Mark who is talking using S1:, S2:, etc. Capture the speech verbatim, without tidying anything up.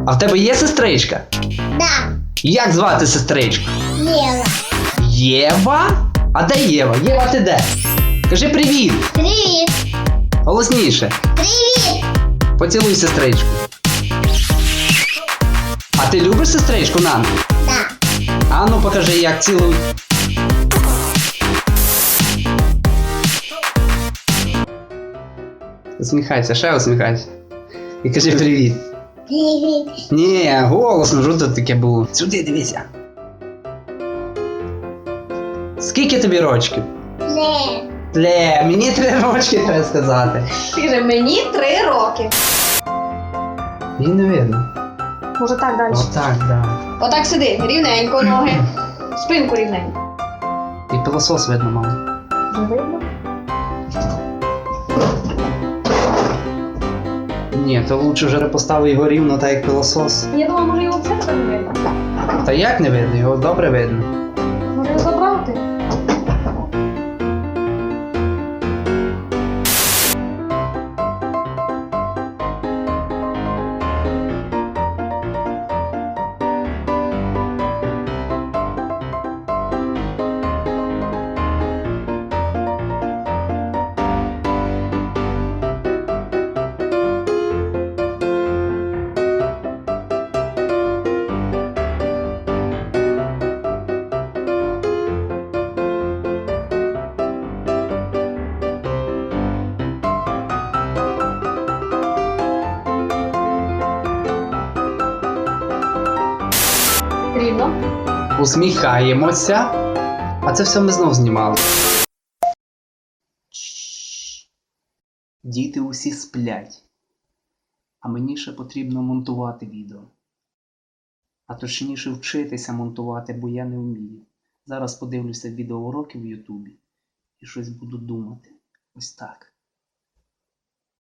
S1: А в тебе є сестричка?
S2: Да.
S1: Як звати сестричку?
S2: Єва.
S1: Єва? А де Єва? Єва, ти де? Кажи привіт!
S2: Привіт.
S1: Голосніше.
S2: Привіт.
S1: Поцілуй сестричку. А ти любиш сестричку, Нан?
S2: Да.
S1: А ну покажи, як цілуй. Усміхайся, ще усміхайся. І кажи привіт.
S2: Привіт.
S1: Ні, голосно, що тут таке було? Сюди дивися. Скільки тобі рочків?
S2: Не.
S1: Ле, мені три рочки треба сказати.
S3: Скажи, мені три роки.
S1: Її не видно.
S3: Може так далі.
S1: Отак, да.
S3: Отак сиди, рівненько ноги. Спинку рівненько.
S1: І пилосос видно, мама.
S3: Вже видно?
S1: Ні, то лучше вже поставив його рівно, так як пилосос.
S3: Я думала, може його взагалі так не видно.
S1: Та як не видно? Його добре видно.
S3: Може його забрати? Рівно.
S1: Усміхаємося. А це все ми знов знімали. Діти усі сплять. А мені ще потрібно монтувати відео. А точніше вчитися монтувати, бо я не вмію. Зараз подивлюся відеоуроки в Ютубі і щось буду думати. Ось так.